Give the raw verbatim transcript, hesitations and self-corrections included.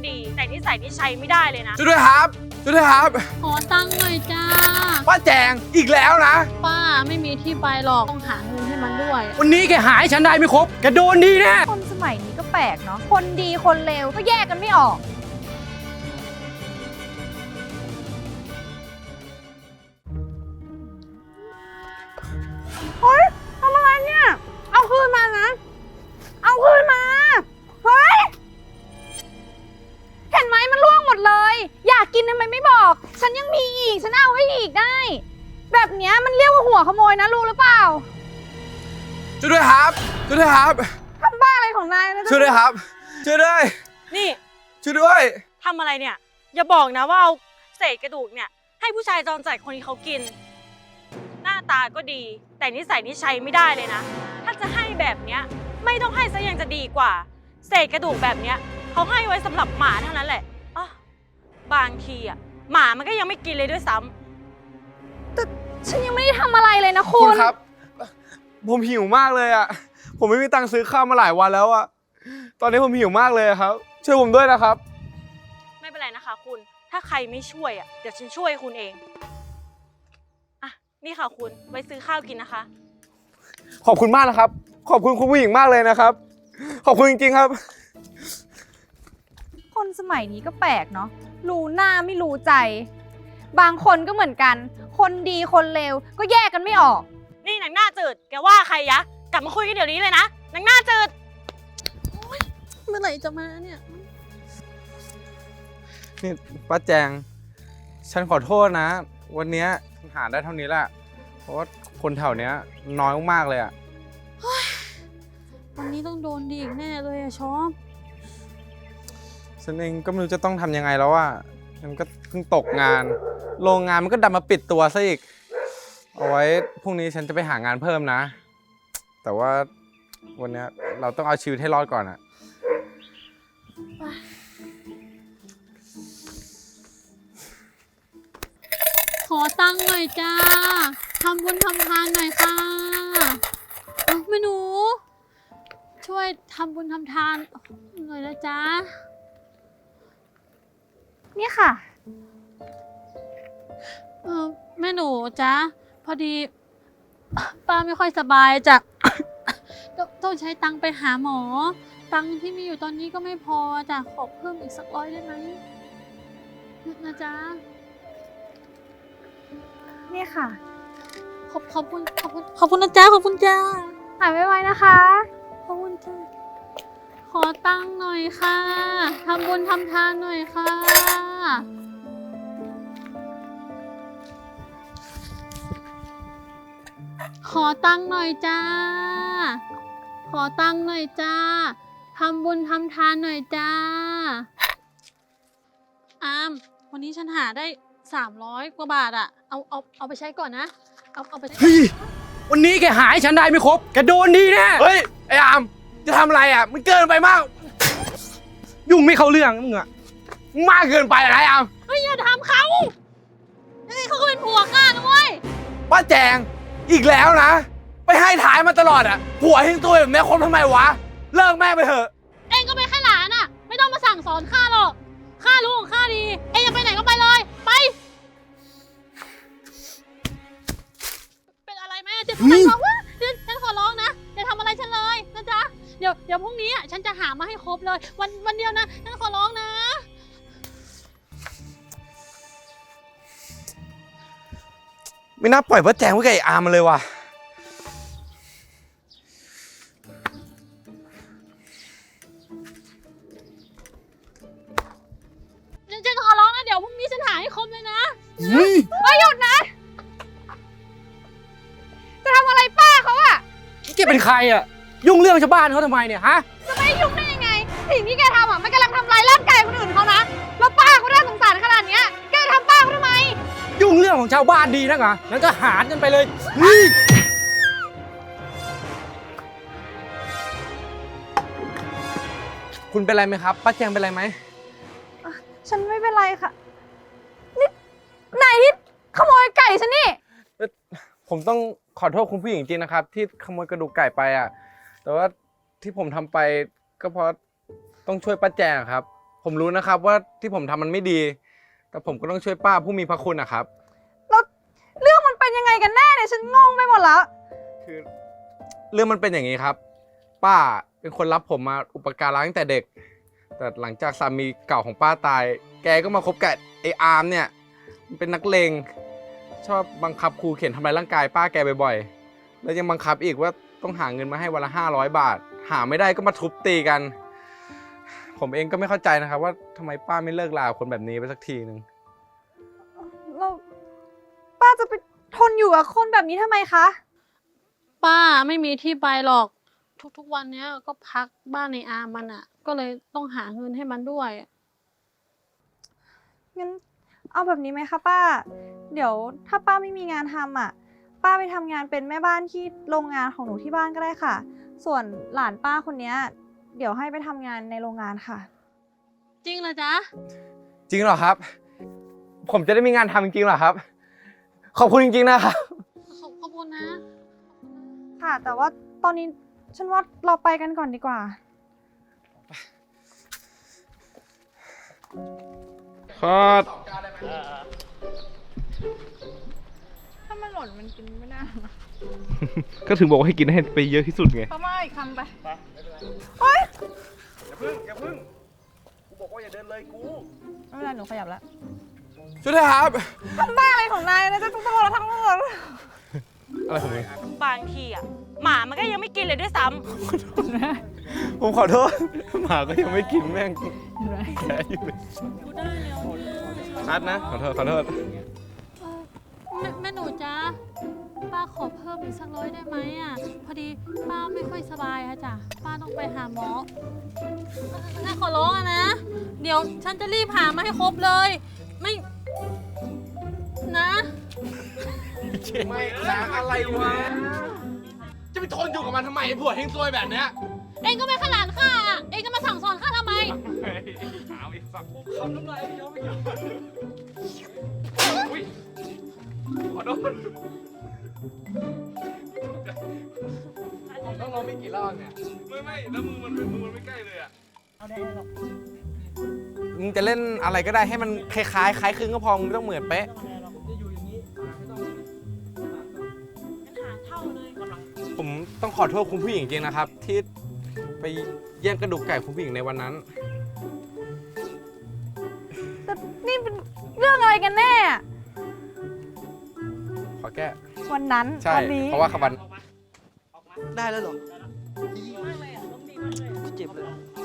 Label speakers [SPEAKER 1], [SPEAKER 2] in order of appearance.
[SPEAKER 1] ดีแต่นิสัยนี่ใช้ไม่ได้เลยนะ
[SPEAKER 2] ช่วยด้วยครับช่วยด้วยครับ
[SPEAKER 3] ขอตังค์หน่อยจ้า
[SPEAKER 2] ป้าแจงอีกแล้วนะ
[SPEAKER 3] ป้าไม่มีที่ไปหรอกต้องหาเงินให้มันด้วย
[SPEAKER 4] วันนี้แกหายฉันได้ไม่ครบแกโดนดีแน่
[SPEAKER 5] คนสมัยนี้ก็แปลกเนาะคนดีคนเลวก็แยกกันไม่ออกเฮ้ยทำอะไรเนี่ยเอาคืนมานะเอาคืนมาเฮ้ยเห็นไหมมันร่วงหมดเลยอยากกินทำไมไม่บอกฉันยังมีอีกฉันเอาให้อีกได้แบบเนี้ยมันเรียกว่าหัวขโมยนะรู้หรือเปล่า
[SPEAKER 2] ช่วยด้วยครับช่วยด้วยครับ
[SPEAKER 5] ทำบ้าอะไรของนายนะ
[SPEAKER 2] ช่วยด้วยครับช่วยด้วย
[SPEAKER 1] นี่
[SPEAKER 2] ช่วยด้วย
[SPEAKER 1] ทำอะไรเนี่ยอย่าบอกนะว่าเอาเศษกระดูกเนี่ยให้ผู้ชายจรจัดคนนี้เขากินหน้าตาก็ดีแต่นิสัยนี่ใช้ไม่ได้เลยนะถ้าจะให้แบบเนี้ยไม่ต้องให้ซะยังจะดีกว่าเศษกระดูกแบบเนี้ยเขาให้ไว้สำหรับหมาเท่านั้นแหละอ๋อบางทีอ่ะหมามันก็ยังไม่กินเลยด้วยซ้ำ
[SPEAKER 5] แต่ฉันยังไม่ได้ทำอะไรเลยนะคุ
[SPEAKER 2] คุณ ณครับผมหิวมากเลยอ่ะผมไม่มีตังค์ซื้อข้าวมาหลายวันแล้วอ่ะตอนนี้ผมหิวมากเลยครับช่วยผมด้วยนะครับ
[SPEAKER 1] ไม่เป็นไรนะคะคุณถ้าใครไม่ช่วยอ่ะเดี๋ยวฉันช่วยคุณเองอ่ะนี่ค่ะคุณไว้ซื้อข้าวกินนะคะ
[SPEAKER 2] ขอบคุณมากนะครับขอบคุณคุณผู้หญิงมากเลยนะครับขอบคุณจริงๆครับ
[SPEAKER 5] คนสมัยนี้ก็แปลกเนาะรู้หน้าไม่รู้ใจบางคนก็เหมือนกันคนดีคนเลวก็แยกกันไม่ออก
[SPEAKER 1] นี่นางหน้าจืดแกว่าใครยะกลับมาคุยกันเดี๋ยวนี้เลยนะนางหน้าจืด
[SPEAKER 3] เมื่อไหร่จะมาเนี่ย
[SPEAKER 2] นี่ป้าแจงฉันขอโทษนะวันนี้หาได้เท่านี้แหละเพราะว่าคนแถวเนี้ยน้อยมากเลยอ่ะ
[SPEAKER 3] วันนี้ต้องโดนดีอีกแน่เลยอะชอป
[SPEAKER 2] ฉันเองก็ไม่รู้จะต้องทำยังไงแล้วอ่ะฉันก็เพิ่งตกงานโรงงานมันก็ดันมาปิดตัวซะอีกเอาไว้พรุ่งนี้ฉันจะไปหางานเพิ่มนะแต่ว่าวันนี้เราต้องเอาชีวิตให้รอดก่อนอ่ะ
[SPEAKER 3] ขอตังค์หน่อยจ้าทำบุญทำทานหน่อยค่ะเอาแม่หนูช่วยทำบุญทำทานหน่อยนะจ๊ะ
[SPEAKER 5] นี่ค่ะ
[SPEAKER 3] เออแม่หนูจ๊ะพอดีป้าไม่ค่อยสบายจ้ะ ต้องใช้ตังค์ไปหาหมอตังค์ที่มีอยู่ตอนนี้ก็ไม่พอจ้ะขอเพิ่มอีกสักร้อยได้ไหมนะจ๊ะ
[SPEAKER 5] นี่ค่ะ
[SPEAKER 3] ขอบขอบคุณขอบคุณขอบคุณนะจ๊ะขอบคุณจ้า
[SPEAKER 5] หายไวๆนะคะ
[SPEAKER 3] ขอบคุณจ้าขอตังค์หน่อยค่ะทำบุญทำทานหน่อยค่ะขอตังค์หน่อยจ้าขอตังค์หน่อยจ้าทำบุญทำทานหน่อยจ้าอามวันนี้ฉันหาได้สามร้อยกว่าบาทอะเอาเอาเอาไปใช้ก่อนนะเอาเอาไปใช้
[SPEAKER 4] เฮ้ยวันนี้แกหายฉันได้ไม่ครบแกโดนดีแน่
[SPEAKER 2] เฮ้ยไอ้อามจะทำอะไรอ่ะมันเกินไปมาก
[SPEAKER 4] ยุ่งไม่เข้าเรื่องมึงอะ
[SPEAKER 2] มากเกินไปอะไรอาม
[SPEAKER 3] เฮ้ยอย่าทำเขายังไงเขาก็เป็นผัวข้านะเว้ย
[SPEAKER 2] ป้าแจงอีกแล้วนะไปให้ท้ายมาตลอดอ่ะผัวทิ้งตัวแบบนี้คบทำไมวะเลิกแม่ไปเถอะ
[SPEAKER 3] เองก็เป็นแค่หลานอ่ะไม่ต้องมาสั่งสอนข้าหรอกข้ารู้ของข้าดีเองจะไปไหนก็ไปเลยไปเป็นอะไรไหมเจ็บตรงไหนบอกว่าเดี๋ยวฉันขอร้องนะอย่าทำอะไรฉันเลยนะจ๊ะเดี๋ยวเดี๋ยวพรุ่งนี้ฉันจะหามาให้ครบเลยวันวันเดียวนะฉันขอร้องนะ
[SPEAKER 2] ไม่น่าปล่อยป้าแจงไว้กับไอ้อาร์มมาเลยว่ะ
[SPEAKER 3] ฉันขอร้องนะเดี๋ยวพรุ่งนี้ฉันหาให้ครบเลยนะ
[SPEAKER 5] เฮ้ยหยุดนะจะทำอะไรป้าเขาอะ
[SPEAKER 4] แกเป็นใครอะยุ่งเรื่องชาวบ้านเขาทำไมเนี่ยฮะ
[SPEAKER 5] จะไม่ยุ่งได้ยังไงสิ่งที่แกทำอะมันกำลังทำลายร่างกายคนอื่นเขานะแล้วป้าเขาได้สงสารขนาดนี้แกทำป้าเขาทำไม
[SPEAKER 4] ยุ่งเรื่องของชาวบ้านดีนักเหรองั้นก็หารกันไปเลย
[SPEAKER 2] คุณเป็นไรไหมครับป้าแจงเป็นไรไหม
[SPEAKER 5] ฉันไม่เป็นไรค่ะนี่นายที่ขโมยไก่ฉันนี่
[SPEAKER 2] ผมต้องขอโทษคุณผู้หญิงจริงนะครับที่ขโมยกระดูกไก่ไปอ่ะแต่ว่าที่ผมทำไปก็เพราะต้องช่วยป้าแจงครับผมรู้นะครับว่าที่ผมทำมันไม่ดี แต่ผมก็ต้องช่วยป้าผู้มีพระคุณนะครับ
[SPEAKER 5] แล้วเรื่องมันเป็นยังไงกันแน่เนี่ยฉันงงไปหมดแล้ว
[SPEAKER 2] คือเรื่องมันเป็นอย่างนี้ครับ ป้าเป็นคนรับผมมาอุปการะตั้งแต่เด็ก แต่หลังจากสามีเก่าของป้าตาย แกก็มาคบกับไอ้อาร์มเนี่ยมันเป็นนักเลงชอบบังคับขู่เข็นทำร้ายร่างกายป้าแกบ่อยๆแล้วยังบังคับอีกว่าต้องหาเงินมาให้วันละห้าร้อยบาท หาไม่ได้ก็มาทุบตีกัน ผมเองก็ไม่เข้าใจนะครับว่าทำไมป้าไม่เลิกลากับคนแบบนี้ไปสักทีนึง
[SPEAKER 5] เราป้าจะไปทนอยู่กับคนแบบนี้ทำไมคะ
[SPEAKER 3] ป้าไม่มีที่ไปหรอก ทุกๆวันเนี้ยก็พักบ้านในอาร์มมันอ่ะ ก็เลยต้องหาเงินให้มันด้วย
[SPEAKER 5] งั้นเอาแบบนี้ไหมคะป้า เดี๋ยวถ้าป้าไม่มีงานทำอ่ะ ป้าไปทำงานเป็นแม่บ้านที่โรงงานของหนูที่บ้านก็ได้ค่ะ ส่วนหลานป้าคนเนี้ยเดี๋ยวให้ไปทำงานในโรงงานค่ะ
[SPEAKER 3] จริงเหรอจ๊ะ
[SPEAKER 2] จริงเหรอครับ ผมจะได้มีงานทำจริงๆเหรอครับ ขอบคุณจริงๆนะครับ
[SPEAKER 3] ขอบขอบคุณนะ
[SPEAKER 5] ค่ะ แต่ว่าตอนนี้ฉันว่าเราไปกันก่อนดีกว่า
[SPEAKER 2] ครับ
[SPEAKER 5] ถ้ามันหล่นมันกินไม่ได้
[SPEAKER 2] ก็ถึงบอกว่าให้กินให้ไปเยอะที่สุดไง
[SPEAKER 5] เข้ามาอีกคำไป
[SPEAKER 2] อย่าพึ่งอย่าพึ่งกูบอกว่าอย่าเดินเลยกู
[SPEAKER 5] ไม่เป็นไรหนูขยับแล้ว
[SPEAKER 2] ช่วยด้วยครับ
[SPEAKER 5] ทำบ้าอะไรของนายนะจะต้องโดนเราทั้งหมด
[SPEAKER 2] อะไรของมึง
[SPEAKER 1] บางทีอ่ะหมามันก็ยังไม่กินเลยด้วยซ้ำ
[SPEAKER 2] ผมขอโทษ หมาก็ยังไม่กินแม่งแค่อยู่เลยนัดนะ ขอโทษ ขอโทษ
[SPEAKER 3] แม่แม่หนูจ๊ะ ป้าขอเพิ่มอีกสักร้อยได้ไหมอ่ะ พอดีป้าไม่ค่อยสบายอะจ้ะ ป้าต้องไปหาหมอน่าขอร้องอะนะ เดี๋ยวฉันจะรีบหามาให้ครบเลย ไม่ นะ
[SPEAKER 2] ไม่ล้างอะไรวะ จะไปทนอยู่กับมันทำไมไอ้ผัวเฮงซวยแบบเนี้ย
[SPEAKER 3] เองก็ไม่ขนาดข้าอะเองจะมาสั่งสอนข้าทำไม
[SPEAKER 2] เอาอีกสักคำน้ำลายไม่ยอมไม่ยอมอุ้ยขอโทษต้องลงไม่กี่รอบเนี่ย
[SPEAKER 6] ไม่ไม่แล้วมือมันมือมันไม่ใกล้เลยอ่ะ
[SPEAKER 2] มึงจะเล่นอะไรก็ได้ให้มันคล้ายๆคล้ายคลึงก็พอ มึงไม่ต้องเหมือนเป๊ะ ผมต้องขอโทษคุณผู้หญิงจริงนะครับ ที่ไปแย่งกระดูกไก่คุณผู้หญิงในวันนั้น
[SPEAKER 5] แต่นี่เป็นเรื่องอะไรกันแน่
[SPEAKER 2] ขอแก้
[SPEAKER 5] วันนั้น
[SPEAKER 2] ใช่
[SPEAKER 5] วันนี้
[SPEAKER 2] เพราะว่าขบัน
[SPEAKER 4] ได้แล้วเหรอเจ็บเลย